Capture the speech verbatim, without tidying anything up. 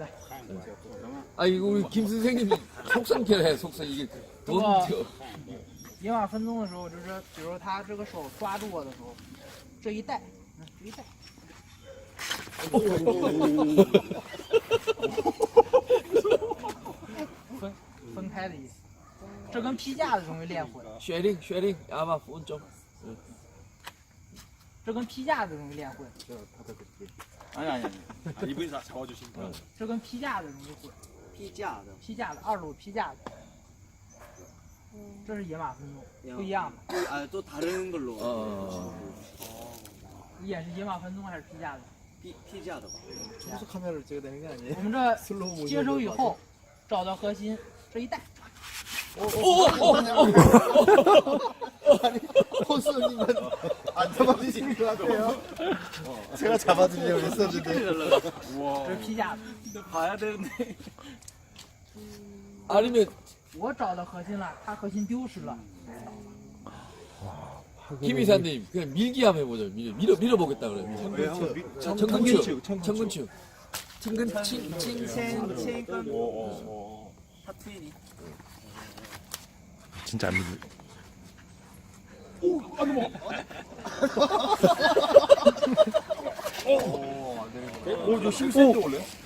아 이거 우리 김 선생님이 속성캐래 속성 이게 돈 저. 野马分鬃的时候，就是比如他这个手抓住我的时候，这一带，嗯，这一带。分分开的意思，这跟劈架子容易练混。 雪令雪令，阿爸分钟。嗯。 这跟劈架子容易练混。 아니 아니 아니. 이분이 다 잡아주신 거. 这跟劈架子容易混。 劈架的。 劈架子，二路劈架子。这是野马分鬃，不一样的。 啊，都다른 걸로. 哦。 你演是野马分鬃还是劈架子？ 劈劈架的吧。 무슨 카메라를 찍어야 되는 게 아니에요? 我们这接手以后，找到核心，这一带。 아니 호수님은 안 잡아주시는 것 같아요. 제가 잡아주려고 했었는데. 这是劈架子。 봐야 되는데. 아니면 我找到核心了，他核心丢失了。 김 이사님 그냥 밀기 한번 해보죠. 밀어 밀어 밀어보겠다 그래. 청근추 청근추 청근칭 칭칭. 타투인이. 진짜 안 믿을. 오, 아니 뭐. 오, 안 되는 거. 오, 이거 힘센데 원래?